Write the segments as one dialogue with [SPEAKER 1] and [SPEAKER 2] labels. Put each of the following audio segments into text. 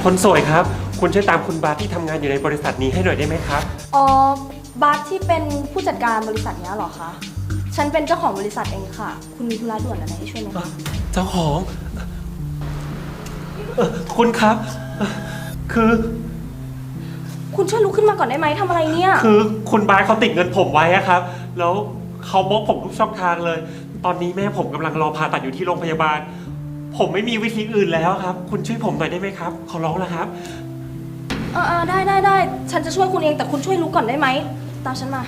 [SPEAKER 1] คนสวยครับคุณช่วยตามคุณบาสที่ทำงานอยู่ในบริษัทนี้ให้หน่อยได้ไหมครับ
[SPEAKER 2] อ๋อบาสที่เป็นผู้จัดการบริษัทนี้เหรอคะฉันเป็นเจ้าของบริษัทเองค่ะคุณมีธุระด่วนอะไรให้ช่วยไหมคะ
[SPEAKER 1] เจ้าของคุณครับคือ
[SPEAKER 2] คุณช่วยลุกขึ้นมาก่อนได้ไหมทำอะไรเนี่ย
[SPEAKER 1] คือคุณบาสเขาติดเงินผมไว้ครับแล้วเขาบล็อกผมทุกช่องทางเลยตอนนี้แม่ผมกำลังรอผ่าตัดอยู่ที่โรงพยาบาลผมไม่มีวิธีอื่นแล้วครับคุณช่วยผมหน่อยได้ไหมครับขอร้องแล้วครับ
[SPEAKER 2] ได้ฉันจะช่วยคุณเองแต่คุณช่วยลุกก่อนได้ไหมตามฉันมา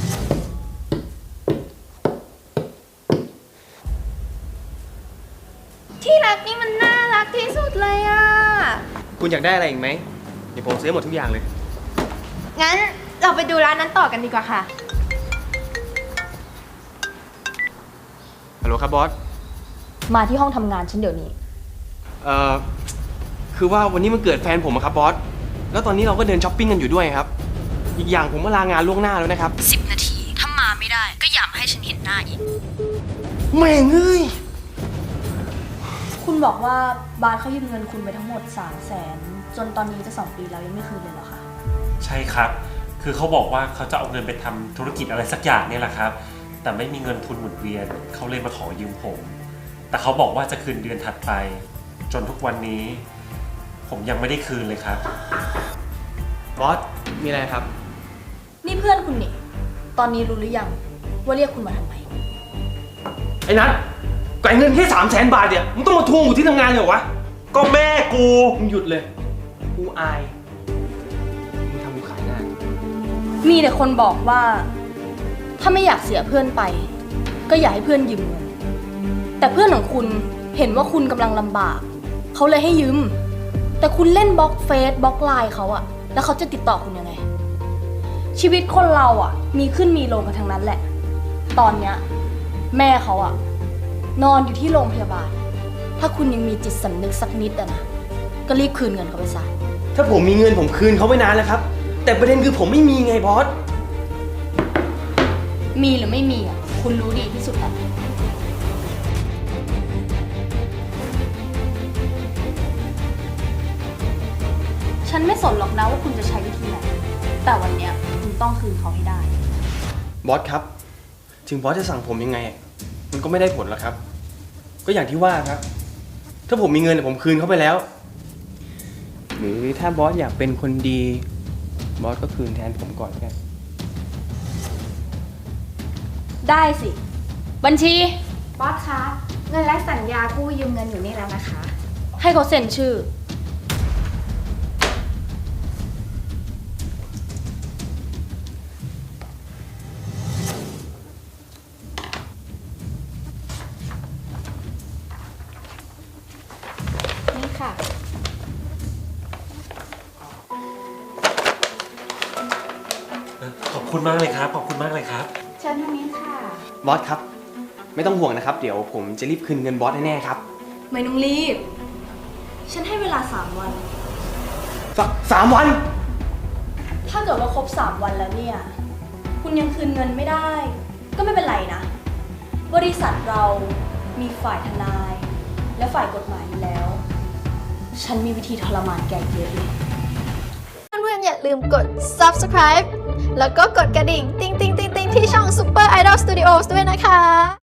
[SPEAKER 3] ที่รักนี่มันน่ารักที่สุดเลยอ่ะ
[SPEAKER 4] คุณอยากได้อะไรอีกไหมเดี๋ยวผมซื้อหมดทุกอย่างเลย
[SPEAKER 3] งั้นเราไปดูร้านนั้นต่อกันดีกว่าค่ะ
[SPEAKER 4] ฮัลโหลครับบอส
[SPEAKER 2] มาที่ห้องทำงานฉันเดี๋ยวนี้
[SPEAKER 4] คือว่าวันนี้มันเกิดแฟนผมครับบอสแล้วตอนนี้เราก็เดินช้อปปิ้งกันอยู่ด้วยครับอีกอย่างผมก็ลางานล่วงหน้าแล้วนะครับ
[SPEAKER 5] 10 นาทีถ้ามาไม่ได้ก็อย่ามาให้ฉันเห็นหน้าอีก
[SPEAKER 4] แม่งเอ้ย
[SPEAKER 2] คุณบอกว่าบาสเขายืมเงินคุณไปทั้งหมด300,000จนตอนนี้จะ2 ปีแล้วยังไม่คืนเลยเหรอคะ
[SPEAKER 1] ใช่ครับคือเขาบอกว่าเขาจะเอาเงินไปทำธุรกิจอะไรสักอย่างเนี่ยแหละครับแต่ไม่มีเงินทุนหมุนเวียนเขาเลยมาขอยืมผมแต่เขาบอกว่าจะคืนเดือนถัดไปจนทุกวันนี้ผมยังไม่ได้คืนเลยครับ
[SPEAKER 4] บอสมีอะไรครับ
[SPEAKER 2] นี่เพื่อนคุณนี่ตอนนี้รู้หรือยังว่าเรียกคุณมาทำไม
[SPEAKER 4] ไอ้นัทก็ไอ้เงินแค่300,000 บาทเนี่ยมึงต้องมาทวงอยู่ที่ทำงานเลยเหรอวะ
[SPEAKER 1] ก็แม่กู
[SPEAKER 4] มึงหยุดเลยกูอายมึงทำกูขายหน้า
[SPEAKER 2] มีแต่คนบอกว่าถ้าไม่อยากเสียเพื่อนไปก็อย่าให้เพื่อนยืมเงินแต่เพื่อนของคุณเห็นว่าคุณกำลังลำบากเขาเลยให้ยืมแต่คุณเล่นบล็อกเฟซบล็อกไลน์เขาอะแล้วเขาจะติดต่อคุณยังไงชีวิตคนเราอะมีขึ้นมีลงกันทั้งนั้นแหละตอนเนี้ยแม่เขาอะนอนอยู่ที่โรงพยาบาลถ้าคุณยังมีจิตสำนึกสักนิดอะนะก็รีบคืนเงินเขาไปซะ
[SPEAKER 4] ถ้าผมมีเงินผมคืนเขาไปนานแล้วครับแต่ประเด็นคือผมไม่มีไงบอส
[SPEAKER 2] มีหรือไม่มีอะคุณรู้ดีที่สุดแหละฉันไม่สนหรอกนะว่าคุณจะใช้วิธีไหนแต่วันเนี้ยคุณต้องคืนเขาให้ได้
[SPEAKER 4] บอสครับถึงบอสจะสั่งผมยังไงมันก็ไม่ได้ผลหรอกครับก็อย่างที่ว่าครับถ้าผมมีเงินผมคืนเขาไปแล้วหรือถ้าบอสอยากเป็นคนดีบอสก็คืนแทนผมก่อนกัน
[SPEAKER 2] ได้สิบัญชี
[SPEAKER 3] บอสคะเงินและสัญญากู้ยืมเงินอยู่นี่แล้วนะคะ
[SPEAKER 2] ให้เขาเซ็นชื่อ
[SPEAKER 3] นี่ค่ะ
[SPEAKER 1] ขอบคุณมากเลยครับขอบคุณมากเลยครับ
[SPEAKER 3] เชิญทางนี้ค่ะ
[SPEAKER 4] บอสครับไม่ต้องห่วงนะครับเดี๋ยวผมจะรีบคืนเงินบอสแน่ๆครับ
[SPEAKER 2] ไม่ต้องรีบฉันให้เวลา3 วัน
[SPEAKER 4] 3 วัน
[SPEAKER 2] ถ้าเกิดว่าครบ3 วันแล้วเนี่ยคุณยังคืนเงินไม่ได้ก็ไม่เป็นไรนะบริษัทเรามีฝ่ายทนายและฝ่ายกฎหมายอยู่แล้วฉันมีวิธีทรมานแกเยอะเลย
[SPEAKER 3] เพื่อนๆอย่าลืมกด subscribe แล้วก็กดกระดิ่งติ๊งๆๆๆที่ช่อง Super Idol Studios ด้วยนะคะ